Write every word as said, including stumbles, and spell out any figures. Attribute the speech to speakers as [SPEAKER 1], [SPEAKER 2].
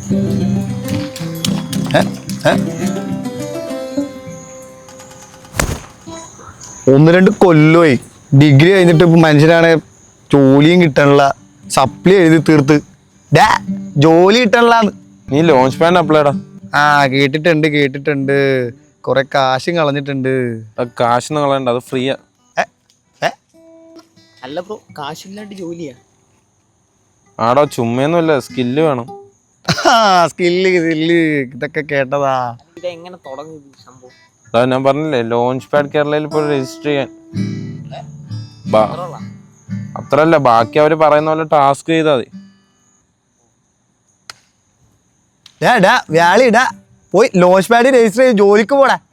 [SPEAKER 1] ഒന്ന് രണ്ട് കൊല്ലമായി ഡിഗ്രി കഴിഞ്ഞിട്ട് ഇപ്പൊ മനുഷ്യനാണ് ജോലിയും കിട്ടാനുള്ള സപ്ലി എഴുതി തീർത്ത് ഡാ ജോലി കിട്ടാനുള്ളാന്ന്.
[SPEAKER 2] നീ ലോഞ്ച് പാഡ് അപ്ലൈഡാ?
[SPEAKER 1] ആ കേട്ടിട്ടുണ്ട് കേട്ടിട്ടുണ്ട് കൊറേ കാശും കളഞ്ഞിട്ടുണ്ട്.
[SPEAKER 2] കാശൊന്നും കളയണ്ട, അത് ഫ്രീയാ.
[SPEAKER 3] അല്ല ബ്രോ, കാശില്ലാണ്ട് ജോലിയാ?
[SPEAKER 2] ആടോ ചുമ്മയൊന്നുമില്ല, സ്കില്ല് വേണം.
[SPEAKER 1] സ്കില്ല് സ്കില്ല് ഇതൊക്കെ കേട്ടതാ.
[SPEAKER 3] ഇതെങ്ങനെ തുടങ്ങി സംഭവം?
[SPEAKER 2] അതാ ഞാൻ പറഞ്ഞില്ലേ, ലോഞ്ച് പാഡ് കേരളയിൽ ഇപ്പോൾ രജിസ്റ്റർ ചെയ്യാൻ. അത്രല്ല, ബാക്കി അവര് പറയുന്ന പോലെ ടാസ്ക് ചെയ്താൽ മതി.
[SPEAKER 1] വ്യാളി ഇടാ പോയി ലോഞ്ച് പാഡ് രജിസ്റ്റർ ചെയ്ത് ജോലിക്ക് പോടാ.